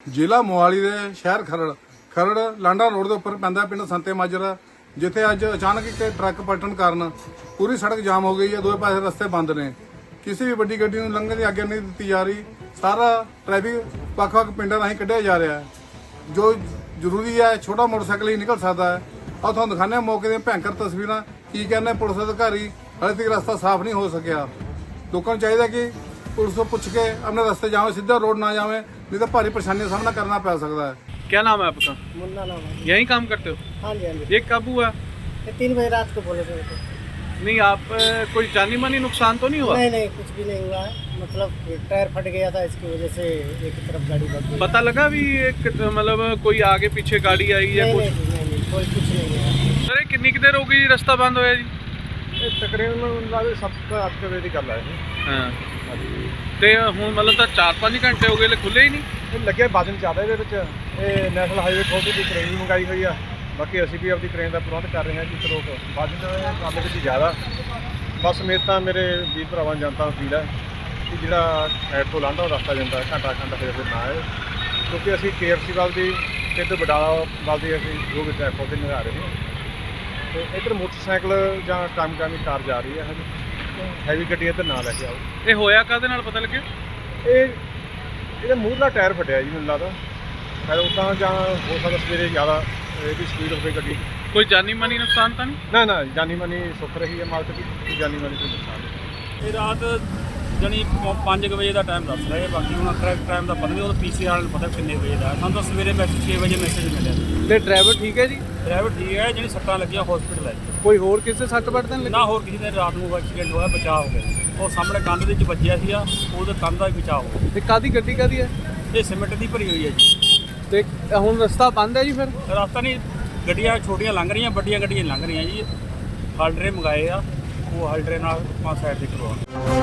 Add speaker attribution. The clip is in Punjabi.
Speaker 1: ਜ਼ਿਲ੍ਹਾ ਮੋਹਾਲੀ ਦੇ ਸ਼ਹਿਰ ਖਰੜ ਲਾਂਡਾ ਰੋਡ ਦੇ ਉੱਪਰ ਪੈਂਦਾ ਪਿੰਡ ਸੰਤੇ ਮਾਜਰਾ, ਜਿੱਥੇ ਅੱਜ ਅਚਾਨਕ ਇੱਕ ਟਰੱਕ ਪਲਟਣ ਕਾਰਨ ਪੂਰੀ ਸੜਕ ਜਾਮ ਹੋ ਗਈ ਹੈ। ਦੋਵੇਂ ਪਾਸੇ ਰਸਤੇ ਬੰਦ ਨੇ। ਕਿਸੇ ਵੀ ਵੱਡੀ ਗੱਡੀ ਨੂੰ ਲੰਘਣ ਦੀ ਆਗਿਆ ਨਹੀਂ ਦਿੱਤੀ ਜਾ ਰਹੀ। ਸਾਰਾ ਟ੍ਰੈਫਿਕ ਵੱਖ-ਵੱਖ ਪਿੰਡਾਂ ਰਾਹੀਂ ਕੱਢਿਆ ਜਾ ਰਿਹਾ ਹੈ। ਜੋ ਜ਼ਰੂਰੀ ਹੈ ਛੋਟਾ ਮੋਟਰਸਾਈਕਲ ਹੀ ਨਿਕਲ ਸਕਦਾ ਹੈ। ਆਹ ਤੁਹਾਨੂੰ ਦਿਖਾਉਂਦੇ ਹਾਂ ਮੌਕੇ ਦੀਆਂ ਭੈਂਕਰ ਤਸਵੀਰਾਂ। ਕੀ ਕਹਿੰਦੇ ਪੁਲਿਸ ਅਧਿਕਾਰੀ, ਹਾਲੇ ਤੱਕ ਰਸਤਾ ਸਾਫ਼ ਨਹੀਂ ਹੋ ਸਕਿਆ। ਲੋਕਾਂ ਨੂੰ ਚਾਹੀਦਾ ਕਿ पुलिस को पूछ के अपने रास्ते जावे, सीधा रोड ना जावे, नहीं तो भारी परेशानी का सामना करना पड़ सकता है।
Speaker 2: क्या नाम है आपका?
Speaker 3: मुन्ना नाम है।
Speaker 2: यहीं काम करते हो?
Speaker 3: हाँ जी हाँ जी।
Speaker 2: ये कब हुआ?
Speaker 3: ये 3 बजे रात को बोले थे।
Speaker 2: नहीं, आप कोई जानी मानी नुकसान तो नहीं हुआ?
Speaker 3: नहीं नहीं, कुछ भी नहीं हुआ है। मतलब टायर फट गया था, इसकी वजह से एक तरफ गाड़ी भग गई।
Speaker 2: पता लगा भी मतलब कोई आगे पीछे गाड़ी आई या
Speaker 3: नहीं,
Speaker 2: कुछ?
Speaker 3: नहीं, कोई कुछ नहीं हुआ।
Speaker 2: सर कितनी की देर हो गई रास्ता बंद होया जी?
Speaker 4: ਤਕਰੀਬਨ 7-8 ਵਜੇ ਦੀ ਗੱਲ ਹੈ
Speaker 2: ਹਾਂ। ਤੇ ਹੁਣ ਮਤਲਬ ਤਾਂ 4-5 ਘੰਟੇ ਹੋ ਗਏ ਖੁੱਲੇ ਹੀ ਨਹੀਂ।
Speaker 4: ਇਹ ਲੱਗਿਆ ਵਜਨ ਜ਼ਿਆਦਾ ਇਹਦੇ ਵਿੱਚ। ਇਹ ਨੈਸ਼ਨਲ ਹਾਈਵੇ ਖੋਲ੍ਹਣ ਦੀ ਟ੍ਰੇਨ ਵੀ ਮੰਗਾਈ ਹੋਈ ਆ। ਬਾਕੀ ਅਸੀਂ ਵੀ ਆਪਣੀ ਟ੍ਰੇਨ ਦਾ ਪ੍ਰਬੰਧ ਕਰ ਰਹੇ ਹਾਂ ਕਿ ਚਲੋ ਵਜਨ ਕੰਮ ਵਿੱਚ ਜ਼ਿਆਦਾ। ਬਸ ਮੇਰੇ ਤਾਂ ਮੇਰੇ ਵੀਰ ਭਰਾਵਾਂ ਜਨਤਾ ਨੂੰ ਅਪੀਲ ਹੈ ਕਿ ਜਿਹੜਾ ਐਡ ਤੋਂ ਲਾਂਘਾ ਉਹ ਰਸਤਾ ਜਾਂਦਾ ਘੰਟਾ ਫਿਰ ਨਾ ਆਏ, ਕਿਉਂਕਿ ਅਸੀਂ KFC ਵੱਲ ਦੀ ਤੇ ਇੱਧਰ ਬਡਾਲਾ ਵੱਲ ਦੀ ਅਸੀਂ ਜੋ ਵੀ ਟ੍ਰੈਫਿਕ ਤੇ ਨਿਭਾ ਰਹੇ ਹਾਂ। ਤੇ ਇੱਧਰ ਮੋਟਰਸਾਈਕਲ ਜਾਂ ਕਾਮਯਾਬੀ ਕਾਰ ਜਾ ਰਹੀ ਹੈ। ਹੈਵੀ ਗੱਡੀ ਇੱਧਰ ਨਾ ਲੈ ਕੇ ਆਓ।
Speaker 2: ਇਹ ਹੋਇਆ ਕਾਹਦੇ ਨਾਲ ਪਤਾ ਲੱਗਿਆ?
Speaker 4: ਇਹਦਾ ਮੂਹਰਲਾ ਟਾਇਰ ਫਟਿਆ ਜੀ, ਮੈਨੂੰ ਲੱਗਦਾ ਸ਼ਾਇਦ ਉੱਦਾਂ ਜਾਂ ਹੋ ਸਕਦਾ ਸਵੇਰੇ ਜ਼ਿਆਦਾ ਇਹਦੀ ਸਪੀਡ ਹੋਵੇ ਗੱਡੀ।
Speaker 2: ਕੋਈ ਜਾਨੀ ਮਾਨੀ ਨੁਕਸਾਨ ਤਾਂ ਨਹੀਂ?
Speaker 4: ਨਾ ਜਾਨੀ ਮਾਨੀ ਸੁੱਖ ਰਹੀ ਹੈ ਮਾਲਕ ਦੀ, ਜਾਨੀ ਮਾਨੀ ਕੋਈ ਨੁਕਸਾਨ ਨਹੀਂ।
Speaker 5: ਇਹ ਰਾਤ ਜਾਣੀ 5 ਵਜੇ ਦਾ ਟਾਈਮ ਦੱਸ ਰਹੇ, ਬਾਕੀ ਹੁਣ ਕਰੈਕਟ ਟਾਈਮ ਦਾ ਪਤਾ ਨਹੀਂ, ਉਹ PCR ਵਾਲੇ ਨੂੰ ਪਤਾ ਕਿੰਨੇ ਵਜੇ ਦਾ। ਸਾਨੂੰ ਤਾਂ ਸਵੇਰੇ ਮੈਸੇਜ 6 ਵਜੇ ਮੈਸੇਜ ਮਿਲਿਆ।
Speaker 2: ਤੇ ਡਰਾਈਵਰ ਠੀਕ ਹੈ ਜੀ?
Speaker 5: ਡਰਾਈਵਰ ਠੀਕ ਹੈ, ਜਿਹੜੀ ਸੱਟਾਂ ਲੱਗੀਆਂ ਹਸਪੀਟਲ ਹੈ।
Speaker 2: ਕੋਈ ਹੋਰ ਕਿਸੇ ਸੱਟ ਵੱਟ ਤਾਂ ਨਹੀਂ
Speaker 5: ਨਾ ਹੋਰ ਕਿਸੇ ਦੇ ਰਾਤ ਨੂੰ ਐਕਸੀਡੈਂਟ ਹੋਇਆ, ਬਚਾਅ ਹੋ ਗਿਆ। ਉਹ ਸਾਹਮਣੇ ਕੰਧ ਦੇ ਵਿੱਚ ਵੱਜਿਆ ਸੀ, ਉਹਦੇ ਕੰਧ ਦਾ ਵੀ ਬਚਾਅ ਹੋ ਗਿਆ।
Speaker 2: ਤੇ ਕਾਦੀ ਗੱਡੀ ਕਾਦੀ ਹੈ?
Speaker 5: ਇਹ ਸੀਮੈਂਟ ਦੀ ਭਰੀ ਹੋਈ ਹੈ ਜੀ।
Speaker 2: ਤੇ ਹੁਣ ਰਸਤਾ ਬੰਦ ਹੈ ਜੀ ਫਿਰ?
Speaker 5: ਰਸਤਾ ਨਹੀਂ, ਗੱਡੀਆਂ ਛੋਟੀਆਂ ਲੰਘ ਰਹੀਆਂ, ਵੱਡੀਆਂ ਗੱਡੀਆਂ ਲੰਘ ਰਹੀਆਂ ਜੀ। ਹਲਡਰੇ ਮੰਗਾਏ ਆ, ਉਹ ਹਲਡਰੇ ਨਾਲ ਆਪਾਂ ਸਾਈਡ ਤੇ ਕਰਵਾਉਣਾ।